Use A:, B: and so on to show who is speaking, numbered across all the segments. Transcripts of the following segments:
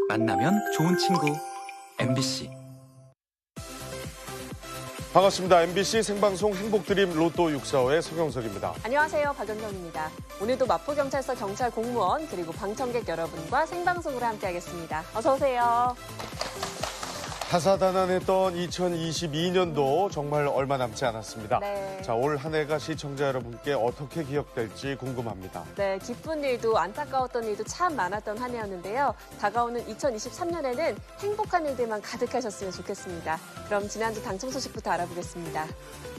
A: 만나면 좋은 친구 MBC.
B: 반갑습니다. MBC 생방송 행복드림 로또 645의 서경석입니다.
C: 안녕하세요. 박연경입니다. 오늘도 마포경찰서 경찰 공무원 그리고 방청객 여러분과 생방송으로 함께하겠습니다. 어서 오세요.
B: 다사다난했던 2022년도 정말 얼마 남지 않았습니다.
C: 네.
B: 자, 올 한 해가 시청자 여러분께 어떻게 기억될지 궁금합니다.
C: 네, 기쁜 일도 안타까웠던 일도 참 많았던 한 해였는데요. 다가오는 2023년에는 행복한 일들만 가득하셨으면 좋겠습니다. 그럼 지난주 당첨 소식부터 알아보겠습니다.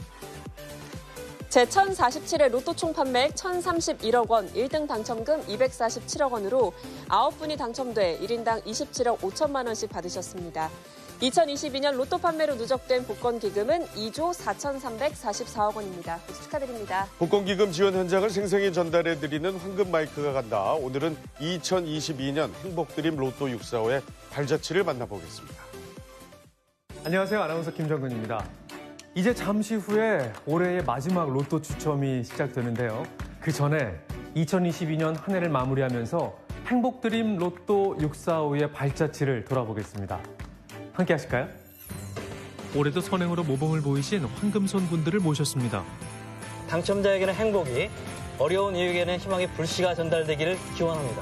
C: 제1047회 로또 총 판매액 1,031억 원, 1등 당첨금 247억 원으로 9분이 당첨돼 1인당 27억 5천만 원씩 받으셨습니다. 2022년 로또 판매로 누적된 복권 기금은 2조 4,344억 원입니다. 모두 축하드립니다.
B: 복권기금 지원 현장을 생생히 전달해드리는 황금 마이크가 간다. 오늘은 2022년 행복드림 로또 645의 발자취를 만나보겠습니다.
D: 안녕하세요. 아나운서 김정근입니다. 이제 잠시 후에 올해의 마지막 로또 추첨이 시작되는데요. 그 전에 2022년 한 해를 마무리하면서 행복드림 로또 645의 발자취를 돌아보겠습니다. 함께 하실까요?
E: 올해도 선행으로 모범을 보이신 황금손 분들을 모셨습니다.
F: 당첨자에게는 행복이, 어려운 이에게는 희망의 불씨가 전달되기를 기원합니다.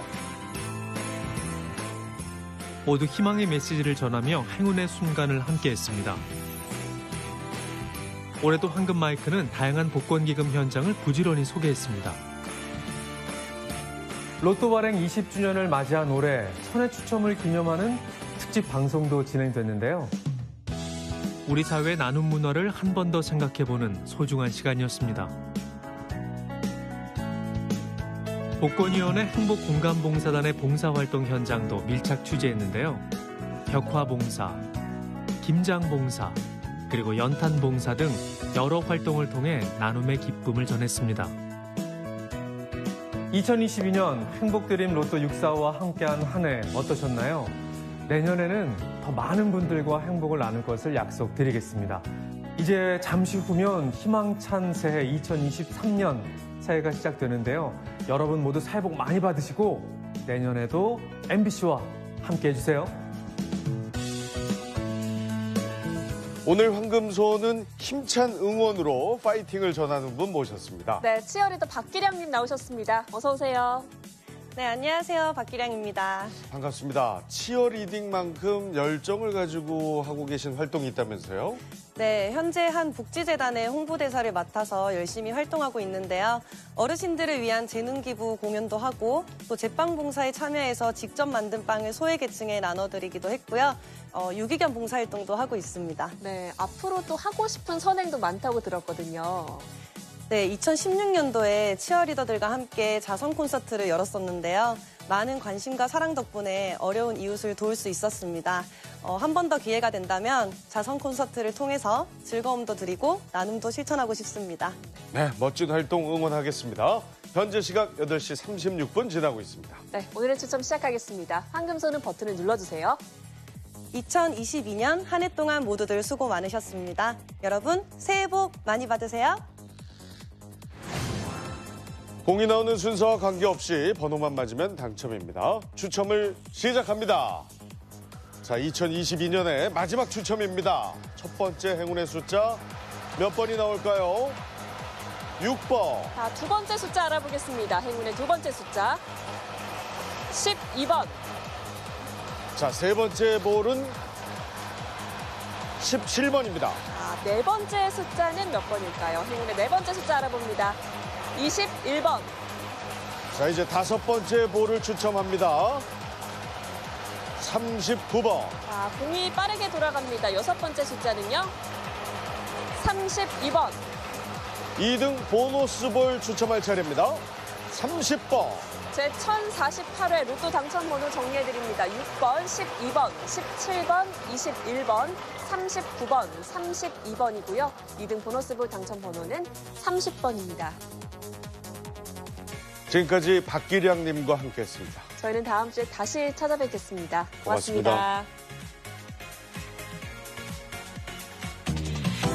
E: 모두 희망의 메시지를 전하며 행운의 순간을 함께했습니다. 올해도 황금 마이크는 다양한 복권 기금 현장을 부지런히 소개했습니다.
D: 로또 발행 20주년을 맞이한 올해 천회 추첨을 기념하는 특집 방송도 진행됐는데요.
E: 우리 사회의 나눔 문화를 한 번 더 생각해보는 소중한 시간이었습니다. 복권위원회 행복공감봉사단의 봉사활동 현장도 밀착 취재했는데요. 벽화봉사, 김장봉사, 그리고 연탄봉사 등 여러 활동을 통해 나눔의 기쁨을 전했습니다.
D: 2022년 행복드림 로또 645와 함께한 한 해 어떠셨나요? 내년에는 더 많은 분들과 행복을 나눌 것을 약속드리겠습니다. 이제 잠시 후면 희망찬 새해 2023년 새해가 시작되는데요. 여러분 모두 새해 복 많이 받으시고 내년에도 MBC와 함께 해주세요.
B: 오늘 황금손은 힘찬 응원으로 파이팅을 전하는 분 모셨습니다.
C: 네, 치어리더 박기량님 나오셨습니다. 어서 오세요.
G: 네, 안녕하세요. 박기량입니다.
B: 반갑습니다. 치어리딩만큼 열정을 가지고 하고 계신 활동이 있다면서요?
G: 네, 현재 한 복지재단의 홍보대사를 맡아서 열심히 활동하고 있는데요. 어르신들을 위한 재능기부 공연도 하고 또 제빵 봉사에 참여해서 직접 만든 빵을 소외계층에 나눠드리기도 했고요. 유기견 봉사활동도 하고 있습니다.
C: 네, 앞으로 또 하고 싶은 선행도 많다고 들었거든요.
G: 네, 2016년도에 치어리더들과 함께 자선 콘서트를 열었었는데요. 많은 관심과 사랑 덕분에 어려운 이웃을 도울 수 있었습니다. 한 번 더 기회가 된다면 자선 콘서트를 통해서 즐거움도 드리고 나눔도 실천하고 싶습니다.
B: 네, 멋진 활동 응원하겠습니다. 현재 시각 8시 36분 지나고 있습니다.
C: 네, 오늘의 추첨 시작하겠습니다. 황금손은 버튼을 눌러주세요.
G: 2022년 한 해 동안 모두들 수고 많으셨습니다. 여러분 새해 복 많이 받으세요.
B: 공이 나오는 순서와 관계없이 번호만 맞으면 당첨입니다. 추첨을 시작합니다. 자, 2022년의 마지막 추첨입니다. 첫 번째 행운의 숫자 몇 번이 나올까요? 6번.
C: 자, 두 번째 숫자 알아보겠습니다. 행운의 두 번째 숫자 12번.
B: 자, 세 번째 볼은 17번입니다.
C: 자, 네 번째 숫자는 몇 번일까요? 행운의 네 번째 숫자 알아봅니다. 21번.
B: 자, 이제 다섯 번째 볼을 추첨합니다. 39번.
C: 자, 공이 빠르게 돌아갑니다. 여섯 번째 숫자는요. 32번.
B: 2등 보너스 볼 추첨할 차례입니다. 30번.
C: 제1048회 로또 당첨 번호 정리해드립니다. 6번, 12번, 17번, 21번, 39번, 32번이고요. 2등 보너스 볼 당첨 번호는 30번입니다.
B: 지금까지 박기량님과 함께했습니다.
C: 저희는 다음 주에 다시 찾아뵙겠습니다. 고맙습니다.
B: 고맙습니다.